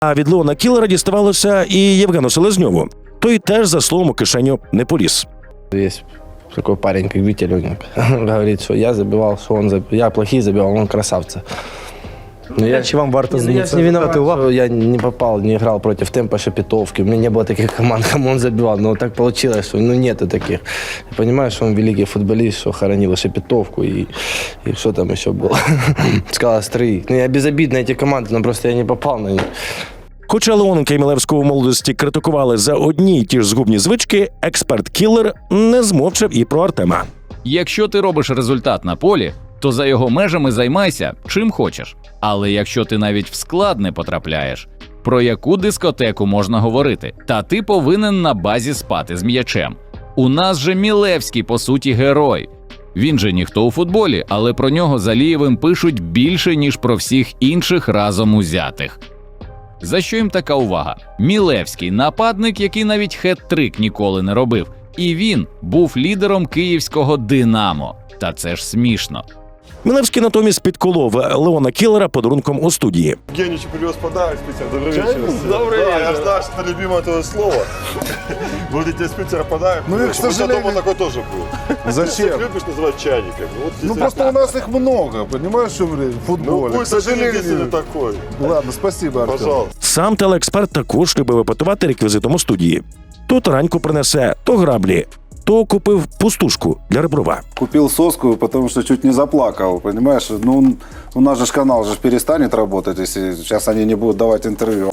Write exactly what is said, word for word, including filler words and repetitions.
А від Леона Кіллера діставалося і Євгену Селезньову. Той теж за словом у кишеню не поліз. Есть такой парень, как Витя Лёгник. Говорит, что я забивал, что он забивал. Я плохие забивал, он красавца. Но я, Чи вам варто я, я звернути не виноват, увагу? что я не попал, не играл против Темпа Шепетовки. У меня не было таких команд, кому он забивал. Но так получилось, что ну, нету таких. Я понимаю, что он великий футболист, что хоронил Шепетовку и, и что там еще было. Скала Строи. Ну, я безобидно эти команды, но просто я не попал на них. Хоча Леоненка і Мілевського в молодості критикували за одні й ті ж згубні звички, експерт Кіллер не змовчав і про Артема. Якщо ти робиш результат на полі, то за його межами займайся чим хочеш. Але якщо ти навіть в склад не потрапляєш, про яку дискотеку можна говорити? Та ти повинен на базі спати з м'ячем. У нас же Мілевський, по суті, герой. Він же ніхто у футболі, але про нього з Алієвим пишуть більше, ніж про всіх інших разом узятих. За що їм така увага? Мілевський – нападник, який навіть хет-трик ніколи не робив. І він був лідером київського «Динамо». Та це ж смішно. Мілевський натомість підколов Леона Кіллера подарунком у студії. Евгеньевич привез подарок с Питера. Добрый вечер. Добрый Да, вечер. я знаю, что это любимое твое слово. Будете с Питера подарок. Ну и, к У тебя сожалению- дома такой тоже был. Ты Зачем? любишь называть чайниками. Вот Ну здесь просто у нас их много, понимаешь, что в Ну, футболе. К пусть сожаление сожалению. такой. Ладно, спасибо, Артем. Пожалуйста. Сам телеексперт також любив епатувати реквізитом у студії. То тараньку принесе, то граблі, то купив пустушку для Реброва. Купил соску, потому что чуть не заплакал, понимаешь? Ну, у нас же ж канал же перестанет работать, если сейчас они не будут давать интервью.